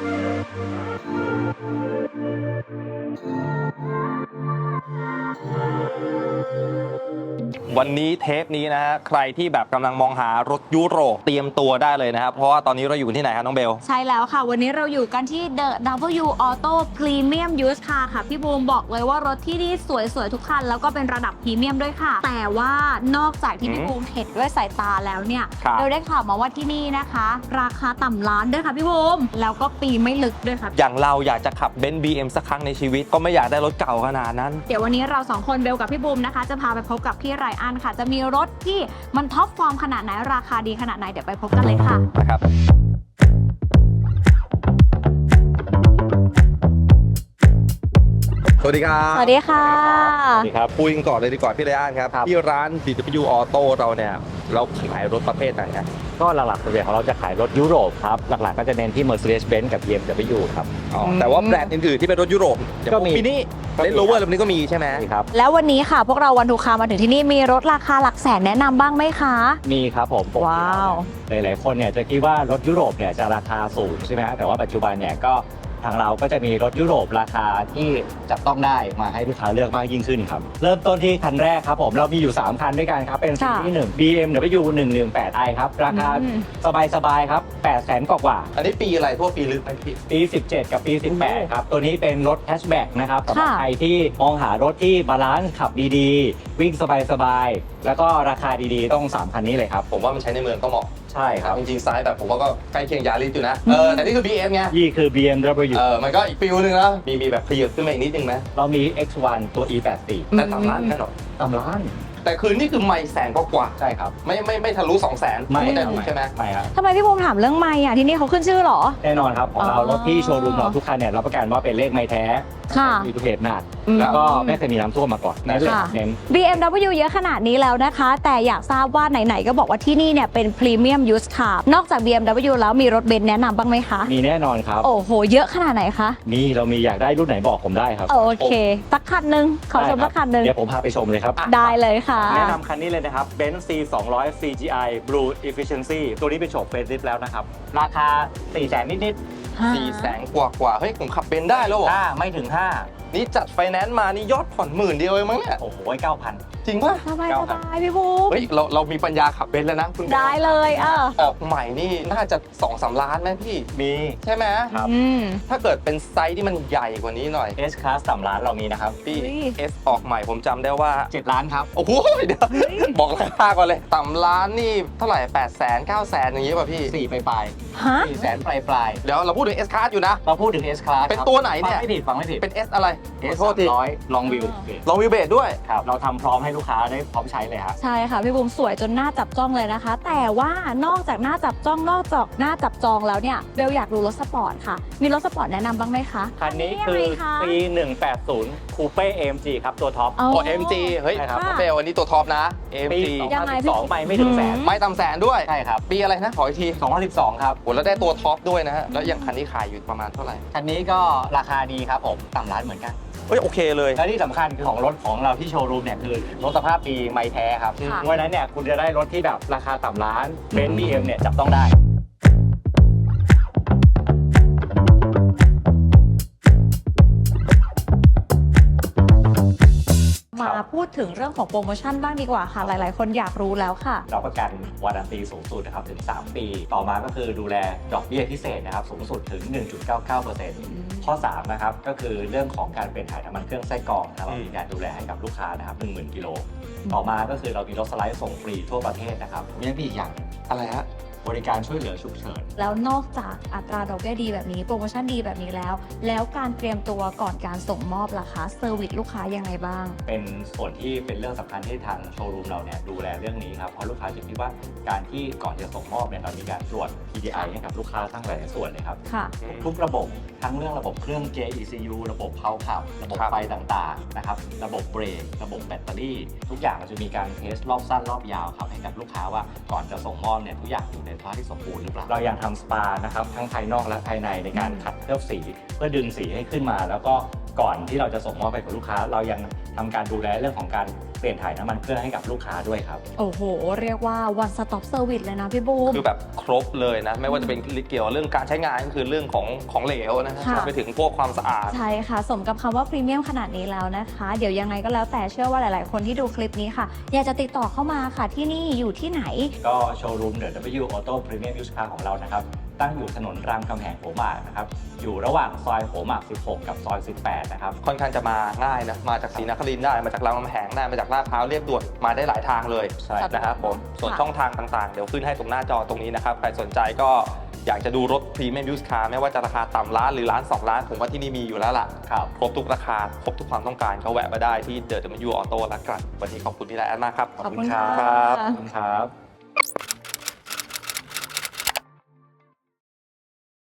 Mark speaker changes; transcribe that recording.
Speaker 1: วันนี้เทปนี้นะฮะใครที่แบบกำลังมองหารถยุโรปเตรียมตัวได้เลยนะครับเพราะว่าตอนนี้เราอยู่ที่ไหนครับน้องเบล
Speaker 2: ใช่แล้วค่ะวันนี้เราอยู่กันที่ The W Auto Premium Used Car ค่ะพี่บูมบอกเลยว่ารถที่นี่สวยๆทุกคันแล้วก็เป็นระดับพรีเมียมด้วยค่ะแต่ว่านอกจากที่พี่บูมเห็นด้วยสายตาแล้วเนี่ยเราได้ข่าวมาว่าที่นี่นะคะราคาต่ำล้านด้วยค่ะพี่บูมแล้วก็ปีไม่ลึกด้วยค่ะ
Speaker 1: อย่างเราอยากจะขับเบนซ์ BM สักครั้งในชีวิตก็ไม่อยากได้รถเก่าขนาดนั้น
Speaker 2: เดี๋ยววันนี้เราสองคนเบลกับพี่บูมนะคะจะพาไปพบกับพี่ไรอันค่ะจะมีรถที่มันท็อปฟอร์มขนาดไหนราคาดีขนาดไหนเดี๋ยวไปพบกันเลยค่ะ
Speaker 1: นะครับสวัสดีครับ
Speaker 2: สวัสดีค่ะ
Speaker 1: สวัสดีครับคุยกันก่อนเลยดีกว่าพี่ไรอันครับที่ร้าน DW Auto เราเนี่ยเราขายรถประเภทไหนครับ
Speaker 3: ก็หลักๆส่วนใหญ่ของเราจะขายรถยุโรปครับหลักๆก็จะเน้นที่ Mercedes-Benz กับ BMW ครับ
Speaker 1: แต่ว่าแบรนด์อื่นๆที่เป็นรถยุโรป
Speaker 3: ก็มี
Speaker 1: นี่เลนโรเวอร์แบบนี้ก็มีใช่ไหม
Speaker 3: ครับ
Speaker 2: แล้ววันนี้ค่ะพวกเราวันทูคามาถึงที่นี่มีรถราคาหลักแสนแนะนำบ้างไหมคะ
Speaker 3: มีครับผม
Speaker 2: ว้าว
Speaker 3: หลายๆคนเนี่ยจะคิดว่ารถยุโรปเนี่ยจะราคาสูงใช่ไหมแต่ว่าปัจจุบันเนี่ยก็ทางเราก็จะมีรถยุโรปราคาที่จับต้องได้มาให้ลูกค้าเลือกมากยิ่งขึ้นครับเริ่มต้นที่คันแรกครับผมเรามีอยู่3คันด้วยกันครับเป็นสีที่1 BMW 118i ครับราคาสบายๆครับ800,000กว่า
Speaker 1: อันนี้ปีอะไรทั่วปีหรือ
Speaker 3: ปี17กับปี18ครับตัวนี้เป็นรถแฮชแบ็กนะครับสำหรับใครที่มองหารถที่บาลานซ์ขับดีๆวิ่งสบายๆแล้วก็ราคาดีๆต้อง3คันนี้เลยครับ
Speaker 1: ผมว่ามันใช้ในเมืองต้องเหมาะ
Speaker 3: ใช่ครับ
Speaker 1: จริงๆไซส์แบบผมว่าก็ใกล้เคียงยาริสอยู่นะแต่นี่คือ BM ไง
Speaker 3: นี่คือ BMW
Speaker 1: มันก็อีกฟิลนึงแล้วมีแบบขยับขึ้นมาอีกนิดนึงไหม
Speaker 3: เรามี X1 ตัว E84
Speaker 1: แต่ต่ำล้านแค่หรอ
Speaker 3: ต่ำล้าน
Speaker 1: แต่คืนนี่คือไม่แสนกว่า
Speaker 3: ใช่ครับ
Speaker 1: ไม่ทะลุ200,000
Speaker 3: ไม่
Speaker 1: ใช่ไหม
Speaker 3: ไม่ครับ
Speaker 2: ทำไมพี่บูมถามเรื่องไม่ที่นี่เขาขึ้นชื่อหรอ
Speaker 3: แน่นอนครับของเรารถที่โชว์รูมเราทุกคันเนี่ยรับประกันว่าเป็นเลขไม่แท้มีทุกเหตุหนักแล้วก็ไม่เคยมีน้ำท่วมมาก่อน
Speaker 2: เน้น BMW เยอะขนาดนี้แล้วนะคะแต่อยากทราบว่าไหนๆก็บอกว่าที่นี่เนี่ยเป็นพรีเมียมยูสคาร์นอกจาก BMW แล้วมีรถเบนซ์แนะนำบ้างไหมคะ
Speaker 3: มีแน่นอนครับ
Speaker 2: โอ้โหเยอะขนาดไหนคะ
Speaker 3: เรามีอยากได้รุ่นไหนบอกผมได้ครับ
Speaker 2: โอเคสักคันนึงขอชมสักคันนึง
Speaker 3: เดี๋ยวผมพาไปชมเลยครับ
Speaker 2: ได้เลยค่ะ
Speaker 3: แนะนำคันนี้เลยนะครับ Benz C200 CGI Blue Efficiency ตัวนี้เป็นโฉมเฟซลิฟต์แล้วนะครับราคา 400,000 นิด
Speaker 1: ๆ 400,000 กว่าเฮ้ยผมขับเบนซ์ได้แล้วเหรอ
Speaker 3: ไม่ถึง5
Speaker 1: นี่จัดไฟแนนซ์มานี่ยอดผ่อน10,000เดียวเองมั้งเนี่ย
Speaker 3: โอ้โห 9,000
Speaker 1: จริงป่ะ
Speaker 2: สบายพี่บูม
Speaker 1: เฮ้ยเรามีปัญญาขับเบนซ์แล้วนะคุณ
Speaker 2: ได้เลย
Speaker 1: ออกใหม่นี่น่าจะ 2-3 ล้านไหมพี่
Speaker 3: มี
Speaker 1: ใช่ไหม
Speaker 3: ครับ
Speaker 1: ถ้าเกิดเป็นไซส์ที่มันใหญ่กว่านี้หน่อย
Speaker 3: S Class 3 ล้านเรามีนะครับ
Speaker 1: พี่ S ออกใหม่ผมจำได้ว่า
Speaker 3: 7 ล้านครับ
Speaker 1: โอ้โหเดี๋ยวบอกราคาก่อนเลยต่ำล้านนี่เท่าไหร่800,000 900,000อย่างงี้ป่ะพี่
Speaker 3: 4ปลาย400,000ปลาย
Speaker 1: เดี๋ยวเราพูดถึง S Class อยู่นะ
Speaker 3: เราพูดถึง S Class
Speaker 1: เป็นตัวไหนเนี่ย
Speaker 3: ฟังไม่ผิด
Speaker 1: เป็น S อะไร
Speaker 3: S 300 Long View
Speaker 1: เบสด้วย
Speaker 3: ครับเราทำพร้อมให้ลูกค้าได้พร้อมใช้เลยครับ
Speaker 2: ใช่ค่ะพี่บูมสวยจนหน้าจับจ้องเลยนะคะแต่ว่านอกจากหน้าจับจ้องนอกจากหน้าจับจองแล้วเนี่ยเบลอยากดูรถสปอร์ตค่ะมีรถสปอร์ตแนะนำบ้างไหมคะ
Speaker 3: คันนี้คือปี 180 Coupe AMG ครับตัวท็อป
Speaker 1: AMG เฮ้ยเบลอันนี้ตัวท็อปนะ AMG
Speaker 3: 2012ไปไม่ถึงแสน
Speaker 1: ไม่ต่ำแสนด้วย
Speaker 3: ใช่ครับ
Speaker 1: ปีอะไรนะขออีกที
Speaker 3: 2012ครับ
Speaker 1: โหแล้วได้ตัวท็อปด้วยนะฮะแล้วอย่างคันนี้ขายอยู่ประมาณเท่าไหร่
Speaker 3: คันนี้ก็ราคาดีครับผมต่ำล้านเหมือนกัน
Speaker 1: เฮ้ยโอเคเลย
Speaker 3: และที่สำคัญคือของรถของเราที่โชว์รูมเนี่ยคือรถสภาพดีไม่แท้ครับเพราะฉะนั้นเนี่ยคุณจะได้รถที่แบบราคาต่ำล้านเบนซ์ BM เนี่ยจับต้องได้
Speaker 2: มาพูดถึงเรื่องของโปรโมชั่นบ้างดีกว่าค่ะหลายๆคนอยากรู้แล้วค่ะ
Speaker 3: เราประกันวารันตีสูงสุดนะครับถึง3ปีต่อมาก็คือดูแลดอกเบี้ยพิเศษนะครับสูงสุดถึง 1.99% ข้อ3นะครับก็คือเรื่องของการเป็นถ่ายน้ำมันเครื่องไส้กรองเรามีการดูแลให้กับลูกค้านะครับ 10,000 กิโลต่อมาก็คือเรามีรถสไลด์ส่งฟรีทั่วประเทศนะครับมีอีกอย่าง
Speaker 1: อะไรฮะ
Speaker 3: บริการช่วยเหลือฉุกเฉิน
Speaker 2: แล้วนอกจากอัตราดอกเบี้ยดีแบบนี้โปรโมชั่นดีแบบนี้แล้วการเตรียมตัวก่อนการส่งมอบล่ะคะเซอร์วิสลูกค้ายังไงบ้าง
Speaker 3: เป็นส่วนที่เป็นเรื่องสำคัญที่ทางโชว์รูมเราเนี่ยดูแลเรื่องนี้ครับเพราะลูกค้าจะคิดว่าการที่ก่อนจะส่งมอบเนี่ยเรามีการตรวจ PDI ให้กับลูกค้าทั้งหลายส่วนเลยครับทุกระบบทั้งเรื่องระบบเครื่องเกียร์ ECU ระบบเพาขับระบบไฟต่างๆนะครับระบบเบรกระบบแบตเตอรี่ทุกอย่างเราจะมีการเทสรอบสั้นรอบยาวครับให้กับลูกค้าว่าก่อนจะส่งมอบเนี่ยทุกอย่างอยู่ในสภาพที่สมบูรณ์เรายังทำสปานะครับทั้งภายนอกและภายในในการขัดเคลือบสีเพื่อดึงสีให้ขึ้นมาแล้วก็ก่อนที่เราจะส่งมอบไปกับลูกค้า เรายังทำการดูแลเรื่องของการเปลี่ยนถ่ายน้ำมันเครื่องให้กับลูกค้าด้วยครับ
Speaker 2: โอ้โห เรียกว่า one stop service เลยนะพี่บูม
Speaker 1: คือแบบครบเลยนะ ไม่ว่าจะเป็นเกี่ยวกับเรื่องการใช้งานก็คือเรื่องของเหลวนะฮะ
Speaker 2: ค่ะ
Speaker 1: ไปถึงพวกความสะอาด
Speaker 2: ใช่ค่ะ สมกับคำว่าพรีเมียมขนาดนี้แล้วนะคะ เดี๋ยวยังไงก็แล้วแต่เชื่อว่าหลาย ๆ คนที่ดูคลิปนี้ค่ะ อยากจะติดต่อเข้ามาค่ะที่นี่อยู่ที่ไหน
Speaker 3: ก็โชว์รูม The W Auto Premium Used Car ของเรานะครับตั้งอยู่ถนนรามคำแหงหัวหมากนะครับอยู่ระหว่างซอยหัวหมาก 16 กับซอย 18 นะครับ
Speaker 1: ค่อนข้างจะมาง่ายนะ มาจากศรีนครินทร์ได้ มาจากรามคำแหงได้ มาจากลาดพร้าวเรียบด่วนมาได้หลายทางเลย
Speaker 3: ใช่
Speaker 1: นะครับผม ส่วน
Speaker 2: ค่ะ
Speaker 1: ช่องทางต่างๆ เดี๋ยวขึ้นให้ตรงหน้าจอตรงนี้นะครับ ใครสนใจก็อยากจะดูรถพรีเมียมยูสคาร์ไม่ว่าจะราคาต่ำล้านหรือล้าน2 ล้าน ผมว่าที่นี่มีอยู่แล้วล่ะ
Speaker 3: ครับ
Speaker 1: ครบทุกราคา ครบทุกความต้องการก็แวะมาได้ที่ The W Auto ละกัน วันนี้ขอบคุณพี่ไลอ้อนมากครับ
Speaker 2: ขอบคุณค่ะ
Speaker 1: ครับ
Speaker 3: ขอบคุณครับ